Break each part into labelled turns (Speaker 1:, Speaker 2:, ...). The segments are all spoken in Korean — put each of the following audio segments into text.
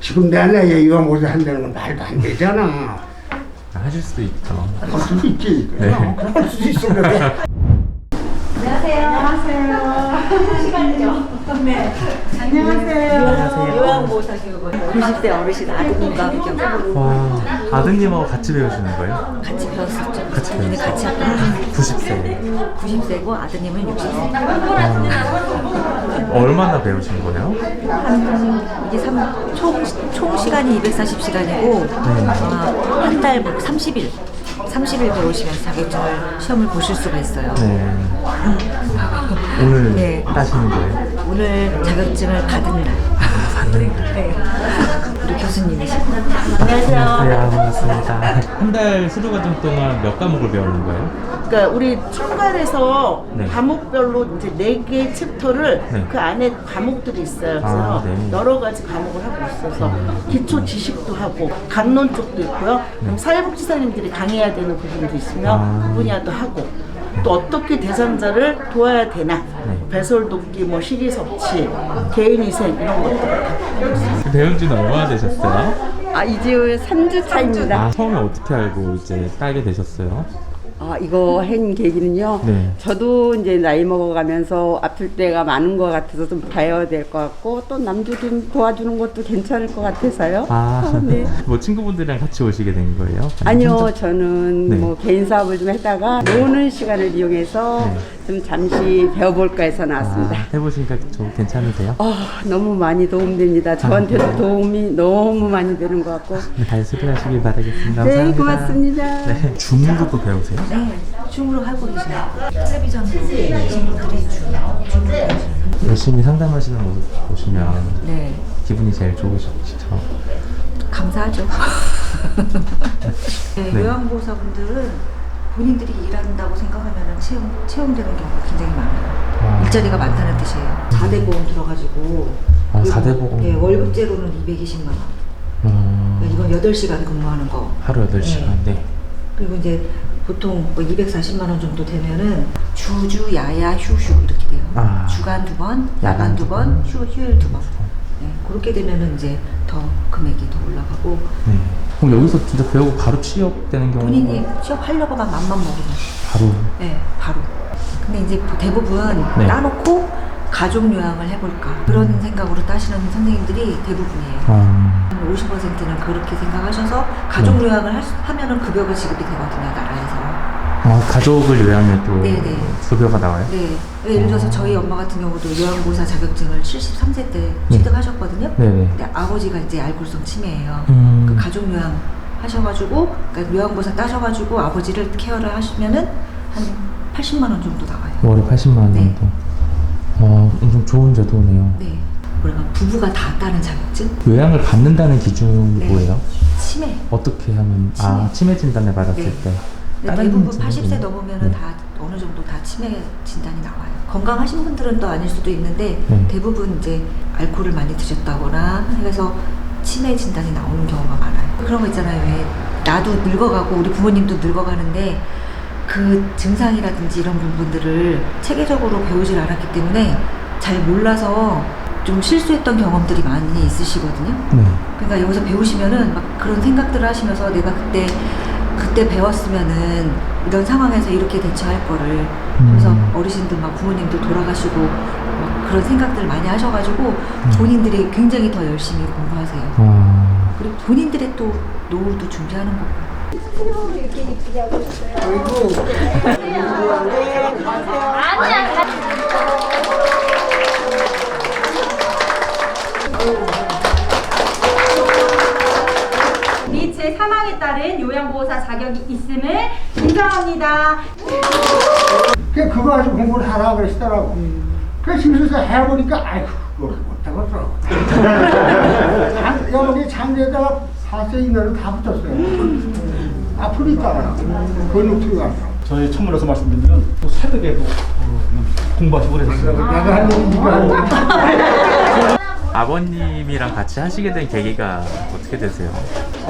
Speaker 1: 지금 내 나이에 요양보호사 한다는 건 말도 안 되잖아.
Speaker 2: 하실 수도 있죠.
Speaker 1: 할 수도 있지.
Speaker 2: 네.
Speaker 1: 할 수도 있어. 그래.
Speaker 3: 안녕하세요. 시간이죠? 네. 안녕하세요. 요양보호사 교육원 90세 어르신 아드님과 함께
Speaker 2: 와, 아드님하고 같이 배우시는 거예요?
Speaker 3: 같이 배웠었죠.
Speaker 2: 같이
Speaker 3: 근데
Speaker 2: 배웠어요?
Speaker 3: 같이 학교
Speaker 2: 90세.
Speaker 3: 90세고 아드님은 60세.
Speaker 2: 얼마나 배우신 거예요?
Speaker 3: 이게 총 시간이 240시간이고 한 달 30일 배우시면서 자격증을 시험을 보실 수가 있어요.
Speaker 2: 네. 오늘
Speaker 3: 네.
Speaker 2: 따시는 거예요?
Speaker 3: 오늘 자격증을 받은 날.
Speaker 2: 받는 날.
Speaker 3: 네. 우리 교수님이시고.
Speaker 2: 네, 반갑습니다. 한 달 수료 과정 동안 몇 과목을 배우는 거예요?
Speaker 4: 그러니까 우리 출발해서
Speaker 2: 네.
Speaker 4: 과목별로 이제 4개의 챕터를
Speaker 2: 네.
Speaker 4: 그 안에 과목들이 있어요. 그래서
Speaker 2: 네.
Speaker 4: 여러 가지 과목을 하고 있어서 기초 지식도 하고 강론 쪽도 있고요. 그럼 사회복지사님들이 강해야 되는 부분도 있으면 그 분야도 하고 또 어떻게 대상자를 도와야 되나 배설 돕기, 뭐 식이 섭취, 개인위생 이런 것들.
Speaker 2: 배운 지는 얼마나 되셨어요?
Speaker 5: 이제 3주 차입니다.
Speaker 2: 아, 처음에 어떻게 알고 이제 따게 되셨어요?
Speaker 5: 이거 한 계기는요.
Speaker 2: 네.
Speaker 5: 저도 이제 나이 먹어가면서 아플 때가 많은 것 같아서 좀 봐야 될 것 같고 또 남도 좀 도와주는 것도 괜찮을 것 같아서요.
Speaker 2: 네. 뭐 친구분들이랑 같이 오시게 된 거예요?
Speaker 5: 아니요,
Speaker 2: 혼자?
Speaker 5: 저는
Speaker 2: 네.
Speaker 5: 뭐 개인 사업을 좀 하다가 노는 시간을 이용해서
Speaker 2: 네.
Speaker 5: 좀 잠시 배워볼까 해서 나왔습니다.
Speaker 2: 해보시니까 좀 괜찮으세요?
Speaker 5: 너무 많이 도움됩니다. 저한테도 도움이 너무 많이 되는 것 같고.
Speaker 2: 네, 잘 수료하시길 바라겠습니다.
Speaker 5: 네,
Speaker 2: 감사합니다.
Speaker 5: 고맙습니다.
Speaker 2: 네. 줌으로도 배우세요?
Speaker 3: 네. 줌으로 하고 계시네요. 텔레비전으로 계신 분들이 줌으로 배우시는.
Speaker 2: 열심히 상담하시는 모습 보시면
Speaker 3: 네.
Speaker 2: 기분이 제일 좋으시죠?
Speaker 3: 감사하죠. 네,
Speaker 2: 네.
Speaker 3: 요양보호사분들은 본인들이 일한다고 생각하면 채용되는 경우가 굉장히 많아요. 일자리가 많다는 뜻이에요. 4대 보험 들어가지고
Speaker 2: 4대 보험?
Speaker 3: 네, 월급제로는 220만 원. 이건 8시간 근무하는 거.
Speaker 2: 하루 8시간. 네.
Speaker 3: 그리고 이제 보통 뭐 240만 원 정도 되면은 주주, 야야, 휴휴 이렇게 돼요. 주간 2번, 야간 2번, 휴일 2번. 네, 그렇게 되면은 이제 더 금액이 더 올라가고.
Speaker 2: 네. 그럼 여기서 진짜 배우고 바로 취업되는 경우가
Speaker 3: 본인이 취업하려고만 맘만 먹으면
Speaker 2: 바로?
Speaker 3: 네, 바로. 근데 이제 대부분
Speaker 2: 네.
Speaker 3: 따놓고 가족 요양을 해볼까 그런 생각으로 따시는 선생님들이 대부분이에요. 한 50%는 그렇게 생각하셔서 가족 요양을 하면은 급여가 지급이 되거든요, 나라에서.
Speaker 2: 가족을 요양해도
Speaker 3: 네네.
Speaker 2: 급여가 나와요?
Speaker 3: 네. 예를 들어서 저희 엄마 같은 경우도 요양보호사 자격증을 73세 때 취득하셨거든요.
Speaker 2: 네네.
Speaker 3: 근데 아버지가 이제 알코올성 치매예요. 그 가족 요양 하셔가지고, 그러니까 요양보호사 따셔가지고 아버지를 케어를 하시면은 한 80만 원 정도 나와요.
Speaker 2: 월에 80만 원
Speaker 3: 네.
Speaker 2: 정도. 엄청 좋은 제도네요.
Speaker 3: 네. 뭐랄까 부부가 다 따는 자격증?
Speaker 2: 요양을 받는다는 기준이
Speaker 3: 네.
Speaker 2: 뭐예요?
Speaker 3: 치매.
Speaker 2: 어떻게 하면 치매 진단을 받았을
Speaker 3: 네.
Speaker 2: 때
Speaker 3: 근데
Speaker 2: 다른
Speaker 3: 대부분
Speaker 2: 진단이
Speaker 3: 80세 넘으면은
Speaker 2: 네.
Speaker 3: 다 어느 정도 다 치매 진단이 나와요. 건강하신 분들은 또 아닐 수도 있는데
Speaker 2: 네.
Speaker 3: 대부분 이제 알코올을 많이 드셨다거나 해서 치매 진단이 나오는 경우가 많아요. 그런 거 있잖아요. 왜 나도 늙어가고 우리 부모님도 늙어가는데 그 증상이라든지 이런 부분들을 체계적으로 배우질 않았기 때문에 잘 몰라서 좀 실수했던 경험들이 많이 있으시거든요.
Speaker 2: 네.
Speaker 3: 그러니까 여기서 배우시면은 막 그런 생각들을 하시면서 내가 그때 배웠으면은 이런 상황에서 이렇게 대처할 거를 그래서 어르신들 막 부모님들 돌아가시고 막 그런 생각들을 많이 하셔가지고 본인들이 굉장히 더 열심히 공부하세요. 그리고 본인들의 또 노후도 준비하는 거고.
Speaker 6: 및 제3항에 따른 요양보호사 자격이 있음을 인정합니다.
Speaker 1: 그거 가지고 공부를 하라 그러시더라고. 그래서 집에서 해보니까 아이고 그걸 못하겠어. 여기 장대에다가 4세 이내로 다 붙었어요. 아프니까 그건 어떻게 갔어.
Speaker 7: 저희 천문에서 말씀드리면 또 새벽에도 공부하시고 그랬어요.
Speaker 1: 내가 할 일이 니가
Speaker 2: 아버님이랑 같이 하시게 된 계기가 어떻게 되세요?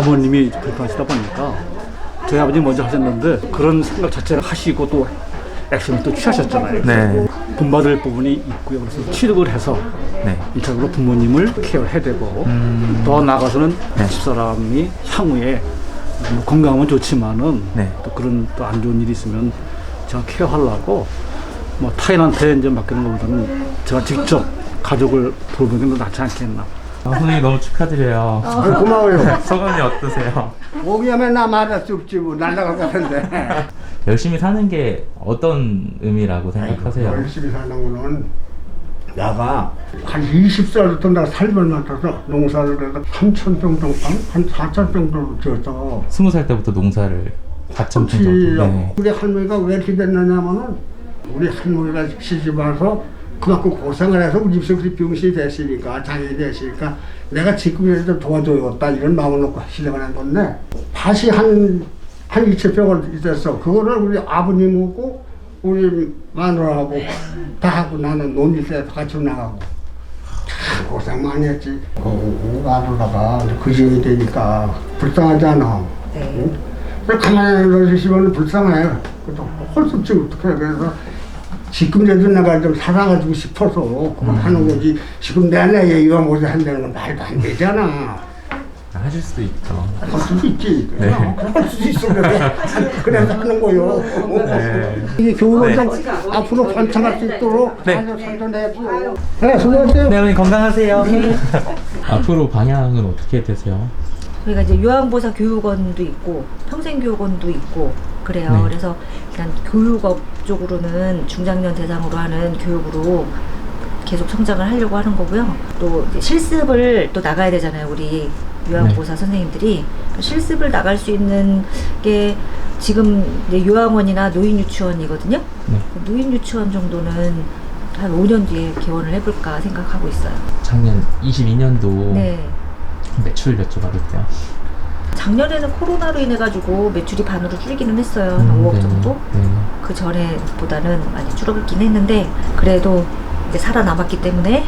Speaker 7: 어머님이 불편하시다 보니까 저희 아버지 먼저 하셨는데 그런 생각 자체를 하시고 또 액션을 또 취하셨잖아요.
Speaker 2: 네.
Speaker 7: 본받을 부분이 있고요. 그래서 취득을 해서
Speaker 2: 네.
Speaker 7: 1차적으로 부모님을 케어해야 되고 더 나아가서는
Speaker 2: 네.
Speaker 7: 집사람이 향후에 뭐 건강은 좋지만은
Speaker 2: 네.
Speaker 7: 또 그런 또 안 좋은 일이 있으면 제가 케어하려고 뭐 타인한테 이제 맡기는 것보다는 제가 직접 가족을 돌보는 게 더 낫지 않겠나.
Speaker 2: 선생님 너무 축하드려요.
Speaker 1: 고마워요.
Speaker 2: 소감이 어떠세요?
Speaker 1: 오기하면 나 말할 수 없지 뭐 날라갈 것 같은데.
Speaker 2: 열심히 사는 게 어떤 의미라고 생각하세요?
Speaker 1: 열심히 사는 거는 내가 한 20살부터 내가 살벌 맡아서 농사를 해서 3,000평 정도, 한 4,000평 정도 지었어.
Speaker 2: 20살 때부터 농사를 4,000평
Speaker 1: 그렇지.
Speaker 2: 정도. 네.
Speaker 1: 우리 할머니가 왜 이렇게 됐느냐면은 우리 할머니가 시집 와서 그만큼 고생을 해서 우리 집에서 병신이 됐으니까 장애이 됐으니까 내가 지금이라도 좀 도와줘야겠다 이런 마음을 놓고 시작을 한 건데 밭이 한 2,000평을 있었어. 그거를 우리 아버님하고 우리 마누라하고 다 하고 나는 논일에 같이 나가고 참 고생 많이 했지. 마누라가 그지이 되니까 불쌍하잖아.
Speaker 3: 네.
Speaker 1: 응? 그래서 가만히 놔주시면 불쌍해. 그래서 헐수 없지 어떡해. 그래서 지금이라도 내가 좀 살아가지고 싶어서 그걸 하는 거지. 지금 내 나이에 이거 못해 한다는 건 말도 안 되잖아.
Speaker 2: 하실 수도 있죠.
Speaker 1: 할 수도 있지.
Speaker 2: 네.
Speaker 1: 할 수도 있어. 그래서 하는 거요.
Speaker 2: 네.
Speaker 1: 이 교육을 좀
Speaker 2: 네.
Speaker 1: 앞으로 번창할 수 있도록
Speaker 2: 네.
Speaker 1: 아주 선전해주고. 네, 수고하세요.
Speaker 2: 네, 어머니 건강하세요. 앞으로 방향은 어떻게 되세요?
Speaker 3: 저희가 이제 요양보호사 교육원도 있고 평생교육원도 있고 그래요.
Speaker 2: 네.
Speaker 3: 그래서 일단 교육업 쪽으로는 중장년 대상으로 하는 교육으로 계속 성장을 하려고 하는 거고요. 또 이제 실습을 또 나가야 되잖아요. 우리 요양보호사 선생님들이 실습을 나갈 수 있는 게 지금 이제 요양원이나 노인유치원이거든요.
Speaker 2: 네.
Speaker 3: 노인유치원 정도는 한 5년 뒤에 개원을 해볼까 생각하고 있어요.
Speaker 2: 작년 22년도
Speaker 3: 네.
Speaker 2: 매출 여쭤봐도 돼요?
Speaker 3: 작년에는 코로나로 인해 가지고 매출이 반으로 줄기는 했어요. 한 5억
Speaker 2: 네.
Speaker 3: 정도.
Speaker 2: 네.
Speaker 3: 그 전에보다는 많이 줄어들긴 했는데 그래도 이제 살아남았기 때문에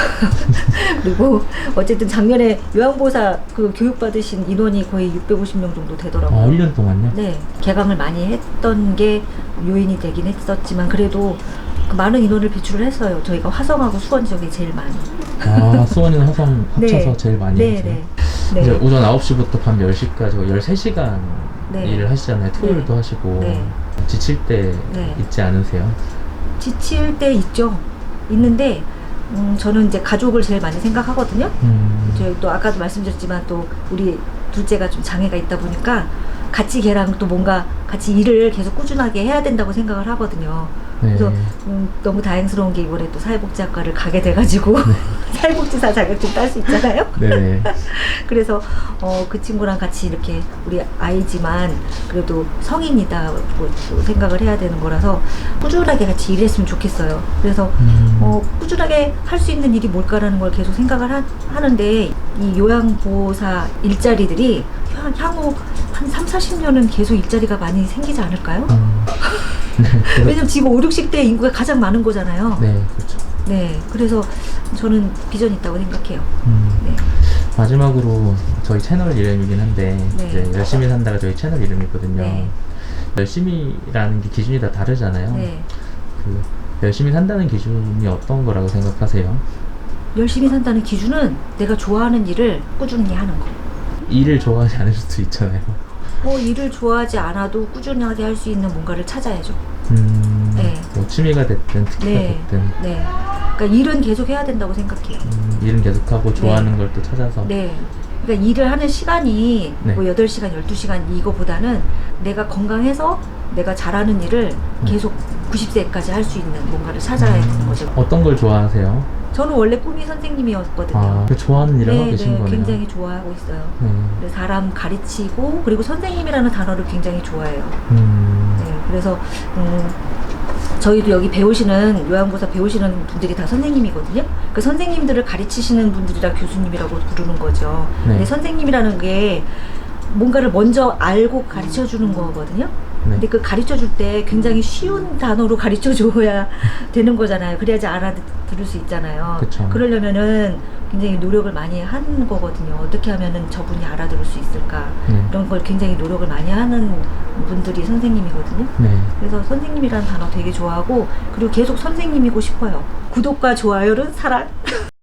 Speaker 3: 그리고 어쨌든 작년에 요양보호사 그 교육받으신 인원이 거의 650명 정도 되더라고요.
Speaker 2: 아, 1년 동안요?
Speaker 3: 네, 개강을 많이 했던 게 요인이 되긴 했었지만 그래도 그 많은 인원을 배출을 했어요. 저희가 화성하고 수원 지역이 제일 많이.
Speaker 2: 아, 수원이나 화성 합쳐서 제일 많이
Speaker 3: 네,
Speaker 2: 하세요?
Speaker 3: 네.
Speaker 2: 이제
Speaker 3: 네.
Speaker 2: 오전 9시부터 밤 10시까지 13시간
Speaker 3: 네.
Speaker 2: 일을 하시잖아요. 토요일도
Speaker 3: 네.
Speaker 2: 하시고.
Speaker 3: 네.
Speaker 2: 지칠 때
Speaker 3: 네.
Speaker 2: 있지 않으세요?
Speaker 3: 지칠 때 있죠. 있는데 저는 이제 가족을 제일 많이 생각하거든요. 저희 또 아까도 말씀드렸지만 또 우리 둘째가 좀 장애가 있다 보니까 같이 걔랑 또 뭔가 같이 일을 계속 꾸준하게 해야 된다고 생각을 하거든요.
Speaker 2: 네.
Speaker 3: 그래서 너무 다행스러운 게 이번에 또 사회복지학과를 가게 돼가지고 사회복지사 자격증 딸 수 있잖아요.
Speaker 2: 네.
Speaker 3: 그래서 그 친구랑 같이 이렇게 우리 아이지만 그래도 성인이다고 또 생각을 해야 되는 거라서 꾸준하게 같이 일했으면 좋겠어요. 그래서 꾸준하게 할 수 있는 일이 뭘까라는 걸 계속 생각을 하는데 이 요양보호사 일자리들이 향후 한 3, 40년은 계속 일자리가 많이 생기지 않을까요? 왜냐면 지금 5, 60대 인구가 가장 많은 거잖아요.
Speaker 2: 네, 그렇죠.
Speaker 3: 네, 그래서 저는 비전이 있다고 생각해요. 네.
Speaker 2: 마지막으로 저희 채널 이름이긴 한데
Speaker 3: 네.
Speaker 2: 이제 열심히 산다가 저희 채널 이름이거든요.
Speaker 3: 네.
Speaker 2: 열심히라는 게 기준이 다 다르잖아요.
Speaker 3: 네.
Speaker 2: 그 열심히 산다는 기준이 어떤 거라고 생각하세요?
Speaker 3: 열심히 산다는 기준은 내가 좋아하는 일을 꾸준히 하는 거.
Speaker 2: 일을 좋아하지 않을 수도 있잖아요.
Speaker 3: 일을 좋아하지 않아도 꾸준하게 할 수 있는 뭔가를 찾아야죠. 네.
Speaker 2: 뭐 취미가 됐든 특기가
Speaker 3: 네.
Speaker 2: 됐든
Speaker 3: 네. 그러니까 일은 계속 해야 된다고 생각해요.
Speaker 2: 일은 계속하고 좋아하는 걸 또 찾아서
Speaker 3: 네. 그러니까 일을 하는 시간이
Speaker 2: 네.
Speaker 3: 뭐 8시간, 12시간 이거보다는 내가 건강해서 내가 잘하는 일을 계속 90세까지 할 수 있는 뭔가를 찾아야 되는 거죠.
Speaker 2: 어떤 걸 좋아하세요?
Speaker 3: 저는 원래 꿈이 선생님이었거든요.
Speaker 2: 아, 그 좋아하는 일을 하고
Speaker 3: 네,
Speaker 2: 계신
Speaker 3: 네,
Speaker 2: 거네요.
Speaker 3: 굉장히 좋아하고 있어요.
Speaker 2: 네.
Speaker 3: 그래서 사람 가르치고 그리고 선생님이라는 단어를 굉장히 좋아해요. 네, 그래서 저희도 여기 배우시는 요양보호사 배우시는 분들이 다 선생님이거든요. 그 선생님들을 가르치시는 분들이라 교수님이라고 부르는 거죠.
Speaker 2: 네.
Speaker 3: 근데 선생님이라는 게 뭔가를 먼저 알고 가르쳐 주는 거거든요. 근데 그 가르쳐 줄 때 굉장히 쉬운 단어로 가르쳐 줘야 되는 거잖아요. 그래야지 알아들을 수 있잖아요.
Speaker 2: 그쵸.
Speaker 3: 그러려면은 굉장히 노력을 많이 하는 거거든요. 어떻게 하면은 저분이 알아들을 수 있을까? 이런 걸 굉장히 노력을 많이 하는 분들이 선생님이거든요.
Speaker 2: 네.
Speaker 3: 그래서 선생님이라는 단어 되게 좋아하고, 그리고 계속 선생님이고 싶어요. 구독과 좋아요는 사랑.